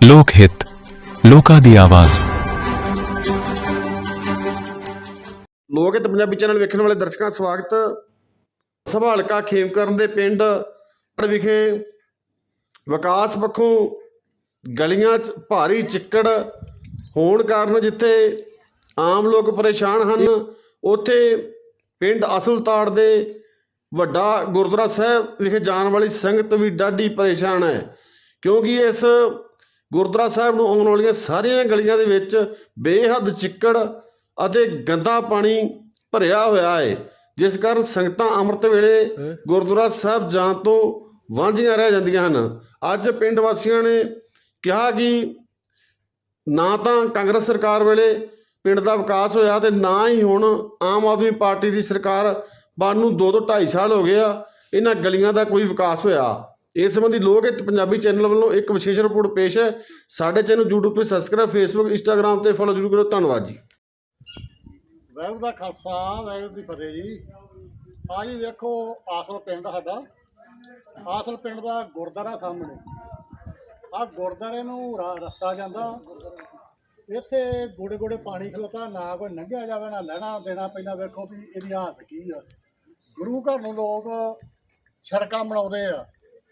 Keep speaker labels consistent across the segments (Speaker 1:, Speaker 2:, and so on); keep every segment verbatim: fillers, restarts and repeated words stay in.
Speaker 1: ਲੋਕ ਹਿੱਤ, ਲੋਕਾਂ ਦੀ ਆਵਾਜ਼।
Speaker 2: ਲੋਕ ਹਿੱਤ ਪੰਜਾਬੀ ਚੈਨਲ ਵੇਖਣ ਵਾਲੇ ਦਰਸ਼ਕਾਂ ਦਾ ਸਵਾਗਤ। ਸਭਾ ਹਲਕਾ ਖੇਮਕਰਨ ਦੇ ਪਿੰਡ ਵਿਖੇ ਵਿਕਾਸ ਪੱਖੋਂ ਗਲੀਆਂ 'ਚ ਭਾਰੀ ਚਿੱਕੜ ਹੋਣ ਕਾਰਨ ਜਿੱਥੇ ਆਮ ਲੋਕ ਪਰੇਸ਼ਾਨ ਹਨ, ਉੱਥੇ ਪਿੰਡ ਅਸਲਤਾੜ ਦੇ ਵੱਡਾ ਗੁਰਦੁਆਰਾ ਸਾਹਿਬ ਵਿਖੇ ਜਾਣ ਵਾਲੀ ਸੰਗਤ ਵੀ ਡਾਢੀ ਪਰੇਸ਼ਾਨ ਹੈ, ਕਿਉਂਕਿ ਇਸ ਗੁਰਦੁਆਰਾ ਸਾਹਿਬ ਨੂੰ ਆਉਣ ਵਾਲੀਆਂ ਸਾਰੀਆਂ ਗਲੀਆਂ ਦੇ ਵਿੱਚ ਬੇਹੱਦ ਚਿੱਕੜ ਅਤੇ ਗੰਦਾ ਪਾਣੀ ਭਰਿਆ ਹੋਇਆ ਹੈ, ਜਿਸ ਕਾਰਨ ਸੰਗਤਾਂ ਅੰਮ੍ਰਿਤ ਵੇਲੇ ਗੁਰਦੁਆਰਾ ਸਾਹਿਬ ਜਾਣ ਤੋਂ ਵਾਂਝੀਆਂ ਰਹਿ ਜਾਂਦੀਆਂ ਹਨ। ਅੱਜ ਪਿੰਡ ਵਾਸੀਆਂ ਨੇ ਕਿਹਾ ਕਿ ਨਾ ਤਾਂ ਕਾਂਗਰਸ ਸਰਕਾਰ ਵੇਲੇ ਪਿੰਡ ਦਾ ਵਿਕਾਸ ਹੋਇਆ ਤੇ ਨਾ ਹੀ ਹੁਣ ਆਮ ਆਦਮੀ ਪਾਰਟੀ ਦੀ ਸਰਕਾਰ ਬਣ ਨੂੰ ਦੋ ਦੋ ਢਾਈ ਸਾਲ ਹੋ ਗਏ ਆ, ਇਹਨਾਂ ਗਲੀਆਂ ਦਾ ਕੋਈ ਵਿਕਾਸ ਹੋਇਆ। ਇਸ ਸੰਬੰਧੀ ਲੋਕ ਹਿੱਤ ਪੰਜਾਬੀ ਚੈਨਲ ਵੱਲੋਂ ਇੱਕ ਵਿਸ਼ੇਸ਼ ਰਿਪੋਰਟ ਪੇਸ਼ ਹੈ। ਸਾਡੇ ਚੈਨਲ ਯੂਟਿਊਬ 'ਤੇ ਸਬਸਕ੍ਰਾਈਬ, ਫੇਸਬੁੱਕ, ਇੰਸਟਾਗ੍ਰਾਮ 'ਤੇ ਫੋਲੋ ਜ਼ਰੂਰ ਕਰੋ। ਧੰਨਵਾਦ ਜੀ।
Speaker 3: ਵਾਹਿਗੁਰੂ ਦਾ ਖਾਲਸਾ, ਵਾਹਿਗੁਰੂ ਦੀ ਫਤਿਹ ਜੀ। ਆ ਜੀ ਵੇਖੋ, ਆਸਲ ਪਿੰਡ ਸਾਡਾ, ਆਸਲ ਪਿੰਡ ਦਾ ਗੁਰਦੁਆਰਾ ਸਾਹਮਣੇ ਆ ਗੁਰਦੁਆਰੇ ਨੂੰ ਰਾ ਰਸਤਾ ਜਾਂਦਾ, ਇੱਥੇ ਗੋੜੇ ਗੋੜੇ ਪਾਣੀ ਖਲੋਤਾ, ਨਾ ਕੋਈ ਲੰਘਿਆ ਜਾਵੇ ਨਾ ਲੈਣਾ ਦੇਣਾ ਪੈਂਦਾ। ਵੇਖੋ ਵੀ ਇਹਦੀ ਹਾਲਤ ਕੀ ਆ। ਗੁਰੂ ਘਰ ਨੂੰ ਲੋਕ ਸੜਕਾਂ ਬਣਾਉਂਦੇ ਆ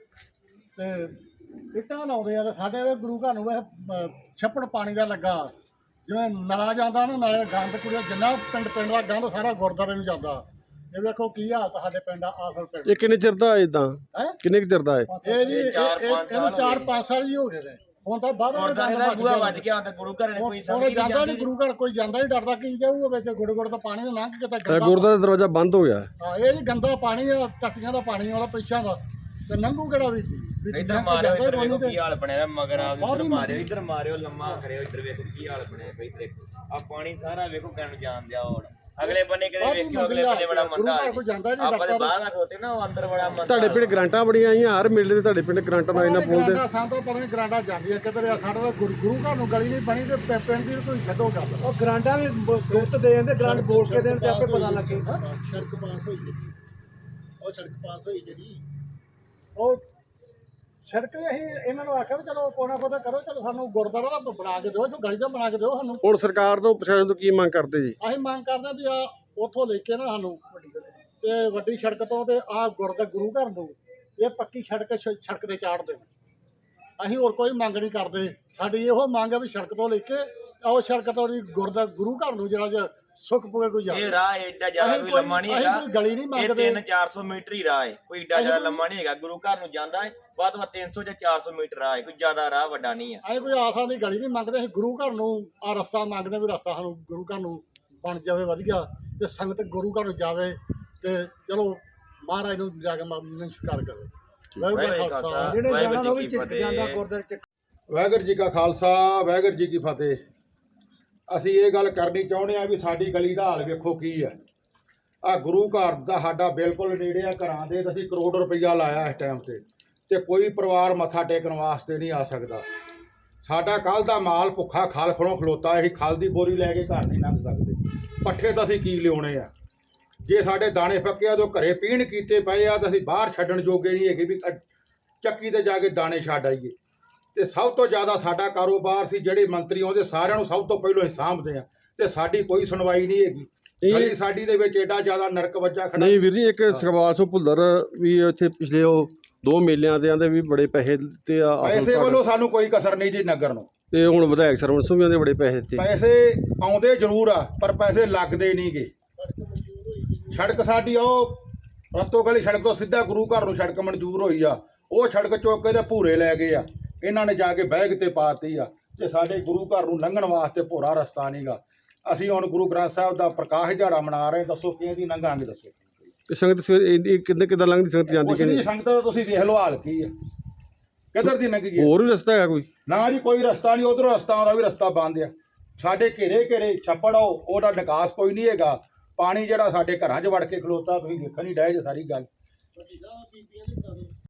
Speaker 3: ਤੇ ਇੱਟਾਂ ਲਾਉਂਦੇ ਆ, ਤੇ ਸਾਡੇ ਗੁਰੂ ਘਰ ਨੂੰ ਵੈਸੇ ਛੱਪੜ ਪਾਣੀ ਦਾ ਲੱਗਾ, ਜਿਵੇਂ ਨਲਾ ਜਾਂਦਾ ਨਾ, ਨਾਲੇ ਗੰਦ ਕੁੜੀਆਂ ਜਿੰਨਾ ਪਿੰਡ ਪਿੰਡ ਦਾ ਗੰਦ ਸਾਰਾ ਗੁਰਦੁਆਰੇ ਨੂੰ ਜਾਂਦਾ। ਇਹ ਵੇਖੋ ਕੀ ਹਾਲਤ ਸਾਡੇ ਪਿੰਡ ਆ ਆਸਲ ਪਿੰਡ।
Speaker 2: ਇਹ ਕਿੰਨੇ ਚਿਰ ਦਾ ਇਦਾਂ
Speaker 3: ਹੈ
Speaker 2: ਕਿੰਨੇ ਕੁ ਚਿਰ ਦਾ ਹੈ?
Speaker 3: ਇਹ ਜੀ ਇਹਨੂੰ ਚਾਰ ਪੰਜ ਸਾਲ ਹੀ ਹੋ ਗਏ ਨੇ। ਹੁਣ ਤਾਂ ਬਾਹਰ
Speaker 4: ਵੱਜ ਗਿਆ ਹੁੰਦਾ ਗੁਰੂ ਘਰ ਕੋਈ
Speaker 3: ਹੁਣ ਜਾਂਦਾ ਨਹੀਂ, ਗੁਰੂ ਘਰ ਕੋਈ ਜਾਂਦਾ ਨਹੀਂ, ਡਰਦਾ ਕੀ ਜਾਊਗਾ ਵਿੱਚ ਗੁੜ ਗੁੜ ਦਾ ਪਾਣੀ ਲੰਘ ਕੇ ਤਾਂ ਗੰਦਾ।
Speaker 2: ਗੁਰਦੁਆਰਾ ਦਾ ਦਰਵਾਜ਼ਾ ਬੰਦ ਹੋ ਗਿਆ।
Speaker 3: ਹਾਂ, ਇਹ ਜੀ ਗੰਦਾ ਪਾਣੀ ਆ, ਟੱਟੀਆਂ ਦਾ ਪਾਣੀ ਉਹਦਾ ਪਿੱਛਾਂ ਦਾ, ਤੇ ਲੰਘੂ ਕਿਹੜਾ ਵੀ
Speaker 4: ਇੱਧਰ ਮਾਰਿਓ, ਇੱਧਰ ਵੇਖੋ ਕੀ ਹਾਲ ਬਣਿਆ ਮਗਰ ਆ, ਇੱਧਰ ਮਾਰਿਓ, ਇੱਧਰ ਮਾਰਿਓ, ਲੰਮਾ ਕਰਿਓ, ਇੱਧਰ ਵੇਖੋ ਕੀ ਹਾਲ ਬਣਿਆ ਪਈ। ਆ ਪਾਣੀ ਸਾਰਾ ਵੇਖੋ ਕਿਹਨ ਜਾਣ ਦਿਆ। ਹੁਣ ਅਗਲੇ ਬੰਨੇ ਕਿਤੇ ਵੇਖਿਓ, ਅਗਲੇ ਬੰਨੇ ਬੜਾ ਮੰਦਾ ਆ। ਆਪਾਂ ਤੇ ਬਾਹਰ ਨਾ ਖੋਤੇ ਨਾ, ਉਹ ਅੰਦਰ ਬੜਾ ਮੰਦਾ।
Speaker 2: ਤੁਹਾਡੇ ਪਿੰਡ ਗ੍ਰਾਂਟਾਂ ਬੜੀਆਂ ਆਈਆਂ, ਹਰ ਮੇਲੇ ਤੇ ਤੁਹਾਡੇ ਪਿੰਡ ਗ੍ਰਾਂਟਾਂ ਦਾ ਇਹਨਾਂ ਬੋਲਦੇ।
Speaker 3: ਸਾਨੂੰ ਤਾਂ ਪਤਾ ਨਹੀਂ ਗ੍ਰਾਂਟਾਂ ਜਾਂਦੀਆਂ ਕਿੱਧਰ ਆ। ਸਾਡਾ ਤਾਂ ਗੁਰੂ ਗੁਰੂ ਘਰ ਨੂੰ ਗਲੀ ਨਹੀਂ ਬਣੀ ਤੇ ਪਿੰਡ ਦੀ ਕੋਈ ਛੱਡੋ ਗੱਲ।
Speaker 5: ਉਹ ਗ੍ਰਾਂਟਾਂ ਵੀ ਗੁਪਤ ਦੇ ਜਾਂਦੇ, ਗ੍ਰਾਂਟ ਬੋਲ ਕੇ ਦੇਣ ਤੇ ਆਪੇ ਪਤਾ ਲੱਗੇ।
Speaker 3: ਸੜਕ ਪਾਸ ਹੋਈ ਜਿਹੜੀ, ਉਹ ਸੜਕ ਪਾਸ ਹੋਈ ਜਿਹੜੀ, ਉਹ ਸੜਕ ਅਸੀਂ ਇਹਨਾਂ ਨੂੰ ਆਖਿਆ ਵੀ ਚਲੋ ਕੋਨਾ ਕੋਨਾ ਕਰੋ, ਚਲੋ ਸਾਨੂੰ ਗੁਰਦੁਆਰਾ ਦਾ ਬਣਾ ਕੇ ਦਿਓ, ਜੋ ਗਲੀ ਦਾ ਬਣਾ ਕੇ ਦਿਓ ਸਾਨੂੰ।
Speaker 2: ਹੁਣ ਸਰਕਾਰ ਤੋਂ ਪ੍ਰਸ਼ਾਸਨ ਤੋਂ ਕੀ ਮੰਗ ਕਰਦੇ ਜੀ?
Speaker 3: ਅਸੀਂ ਮੰਗ ਕਰਦੇ ਵੀ ਆ ਉੱਥੋਂ ਲੈ ਕੇ ਨਾ ਸਾਨੂੰ ਤੇ ਵੱਡੀ ਸੜਕ ਤੋਂ ਤੇ ਆ ਗੁਰਦਾ ਗੁਰੂ ਘਰ ਨੂੰ ਇਹ ਪੱਕੀ ਸੜਕ ਸੜਕ ਤੇ ਚਾੜ ਦੇਣ। ਅਸੀਂ ਹੋਰ ਕੋਈ ਮੰਗ ਨਹੀਂ ਕਰਦੇ। ਸਾਡੀ ਇਹੋ ਮੰਗ ਹੈ ਵੀ ਸੜਕ ਤੋਂ ਲੈ ਕੇ ਉਹ ਸੜਕ ਤੋਂ ਗੁਰਦਾ ਗੁਰੂ ਘਰ ਨੂੰ ਜਿਹੜਾ ਜਿਹਾ ਸੁੱਖ ਪਵੇ ਕੋਈ ਜਾਵੇ।
Speaker 4: ਇਹ ਰਾਹ ਏਡਾ ਜ਼ਿਆਦਾ ਕੋਈ ਲੰਮਾ ਨਹੀਂ ਹੈਗਾ,
Speaker 3: ਕੋਈ ਗਲੀ ਨਹੀਂ ਮੰਗਦੇ।
Speaker 4: ਤਿੰਨ ਚਾਰ ਸੌ ਮੀਟਰ ਹੀ ਰਾਹ ਹੈ, ਕੋਈ ਏਡਾ ਜ਼ਿਆਦਾ ਲੰਮਾ ਨਹੀਂ ਹੈਗਾ। ਗੁਰੂ ਘਰ ਨੂੰ ਜਾਂਦਾ ਹੈ ਵੱਧ ਤੋਂ ਵੱਧ ਤਿੰਨ ਸੌ ਜਾਂ ਚਾਰ ਸੌ ਮੀਟਰ ਰਾਹ ਹੈ, ਕੋਈ ਜ਼ਿਆਦਾ ਰਾਹ ਵੱਡਾ ਨਹੀਂ ਹੈ।
Speaker 3: ਅਸੀਂ ਕੋਈ ਆਸਾਂ ਦੀ ਗਲੀ ਨਹੀਂ ਮੰਗਦੇ, ਅਸੀਂ ਗੁਰੂ ਘਰ ਨੂੰ ਆ ਰਸਤਾ ਮੰਗਦੇ ਵੀ ਰਸਤਾ ਸਾਨੂੰ ਗੁਰੂ ਘਰ ਨੂੰ ਬਣ ਜਾਵੇ ਵਧੀਆ, ਤੇ ਸੰਗਤ ਗੁਰੂ ਘਰ ਨੂੰ ਜਾਵੇ ਤੇ ਚਲੋ ਮਹਾਰਾਜ ਨੂੰ ਜਾ ਕੇ ਨਮਸਕਾਰ ਕਰੇ।
Speaker 5: ਜਿਹੜੇ ਜਾਣਾ ਉਹ ਵੀ ਚਿੱਕ ਜਾਂਦਾ ਗੁਰਦੁਆਰੇ ਚ।
Speaker 6: ਵਾਹਿਗੁਰੂ ਜੀ ਕਾ ਖਾਲਸਾ, ਵਾਹਿਗੁਰੂ ਜੀ ਕੀ ਫਤਿਹ। ਅਸੀਂ ਇਹ ਗੱਲ ਕਰਨੀ ਚਾਹੁੰਦੇ ਹਾਂ ਵੀ ਸਾਡੀ ਗਲੀ ਦਾ ਹਾਲ ਵੇਖੋ ਕੀ ਹੈ। ਆ ਗੁਰੂ ਘਰ ਦਾ ਸਾਡਾ ਬਿਲਕੁਲ ਨੇੜੇ ਆ ਘਰਾਂ ਦੇ, ਤੇ ਅਸੀਂ ਕਰੋੜ ਰੁਪਈਆ ਲਾਇਆ ਇਸ ਟਾਈਮ ਤੇ ਤੇ ਕੋਈ ਪਰਿਵਾਰ ਮੱਥਾ ਟੇਕਣ ਵਾਸਤੇ ਨਹੀਂ ਆ ਸਕਦਾ। ਸਾਡਾ ਕੱਲ ਦਾ ਮਾਲ ਭੁੱਖਾ ਖਲ ਖੜੋਂ ਖਲੋਤਾ, ਅਸੀਂ ਖਲ ਦੀ ਬੋਰੀ ਲੈ ਕੇ ਘਰ ਨਹੀਂ ਲੰਘ ਸਕਦੇ। ਪੱਠੇ ਤਾਂ ਅਸੀਂ ਕੀ ਲਿਆਉਣੇ ਆ? ਜੇ ਸਾਡੇ ਦਾਣੇ ਪੱਕੇ ਆ ਤਾਂ ਘਰੇ ਪੀਣ ਕੀਤੇ ਪਏ ਆ, ਤਾਂ ਅਸੀਂ ਬਾਹਰ ਛੱਡਣ ਜੋਗੇ ਨਹੀਂ ਹੈਗੇ ਵੀ ਚੱਕੀ ਤੇ ਜਾ ਕੇ ਦਾਣੇ ਛੱਡ ਆਈਏ। ਤੇ ਸਭ ਤੋਂ ਜ਼ਿਆਦਾ ਸਾਡਾ ਕਾਰੋਬਾਰ ਸੀ, ਜਿਹੜੇ ਮੰਤਰੀ ਆਉਂਦੇ ਸਾਰਿਆਂ ਨੂੰ ਸਭ ਤੋਂ ਪਹਿਲਾਂ ਹੀ ਸਾਂਭਦੇ ਆ, ਤੇ ਸਾਡੀ ਕੋਈ ਸੁਣਵਾਈ ਨਹੀਂ ਹੈਗੀ। ਗਲੀ ਸਾਡੀ ਦੇ ਵਿੱਚ ਏਡਾ ਜ਼ਿਆਦਾ ਨਰਕ ਵੱਜਾ ਖੜਾ।
Speaker 2: ਨਹੀਂ ਵੀਰ ਜੀ, ਇੱਕ ਸਗਵਾਲ ਸੋ ਭੁੱਲਰ ਵੀ ਇੱਥੇ ਪਿਛਲੇ ਉਹ ਦੋ ਮੇਲਿਆਂ ਦੇ ਆਂਦੇ ਵੀ ਬੜੇ ਪੈਸੇ ਤੇ ਆ।
Speaker 6: ਪੈਸੇ ਵੱਲੋਂ ਸਾਨੂੰ ਕੋਈ ਕਸਰ ਨਹੀਂ ਜੀ ਨਗਰ ਨੂੰ, ਤੇ
Speaker 2: ਹੁਣ ਵਿਧਾਇਕ ਸਰਵਣ ਸਿੰਘ ਦੇ ਬੜੇ ਪੈਸੇ ਤੇ
Speaker 6: ਪੈਸੇ ਆਉਂਦੇ ਜ਼ਰੂਰ ਆ, ਪਰ ਪੈਸੇ ਲੱਗਦੇ ਨਹੀਂ ਗੇ। ਸੜਕ ਸਾਡੀ ਉਹ ਰਤੋ ਗਲੀ ਸੜਕ ਤੋਂ ਸਿੱਧਾ ਗੁਰੂ ਘਰ ਨੂੰ ਸੜਕ ਮਨਜ਼ੂਰ ਹੋਈ ਆ, ਉਹ ਸੜਕ ਚੁੱਕ ਕੇ ਤੇ ਭੂਰੇ ਲੈ ਗਏ ਆ, ਇਹਨਾਂ ਨੇ ਜਾ ਕੇ ਬੈਗ ਤੇ ਪਾਤੀ ਆ, ਤੇ ਸਾਡੇ ਗੁਰੂ ਘਰ ਨੂੰ ਲੰਘਣ ਵਾਸਤੇ ਭੋਰਾ ਰਸਤਾ ਨਹੀਂਗਾ। ਅਸੀਂ ਹੁਣ ਗੁਰੂ ਗ੍ਰੰਥ ਸਾਹਿਬ ਦਾ ਪ੍ਰਕਾਸ਼ ਦਿਹਾੜਾ ਮਨਾ ਰਹੇ, ਦੱਸੋ ਕਿਹਦੀ ਲੰਘਾਂਗੇ? ਦੱਸੋ
Speaker 2: ਤੇ ਸੰਗਤ ਸਵੇਰ ਕਿੰਨੇ ਕਿੱਦਾਂ ਲੰਘਦੀ ਸੰਗਤ ਜਾਂਦੀ ਕਿ ਨਹੀਂ?
Speaker 6: ਸੰਗਤ ਦਾ ਤੁਸੀਂ ਦੇਖ ਲਓ ਹਾਲ ਕੀ ਆ, ਕਿੱਧਰ ਦੀ ਲੰਘੀ?
Speaker 2: ਹੋਰ ਵੀ ਰਸਤਾ ਹੈ ਕੋਈ?
Speaker 6: ਨਾ ਜੀ, ਕੋਈ ਰਸਤਾ ਨਹੀਂ। ਉਧਰੋਂ ਰਸਤਾ ਆਉਂਦਾ ਵੀ ਰਸਤਾ ਬੰਦ ਆ। ਸਾਡੇ ਘੇਰੇ ਘੇਰੇ ਛੱਪੜ ਆਓ, ਉਹਦਾ ਨਿਕਾਸ ਕੋਈ ਨਹੀਂ ਹੈਗਾ। ਪਾਣੀ ਜਿਹੜਾ ਸਾਡੇ ਘਰਾਂ 'ਚ ਵੜ ਕੇ ਖਲੋਤਾ, ਤੁਸੀਂ ਦੇਖਣ ਨਹੀਂ ਡਏ ਜੇ ਸਾਰੀ ਗੱਲ।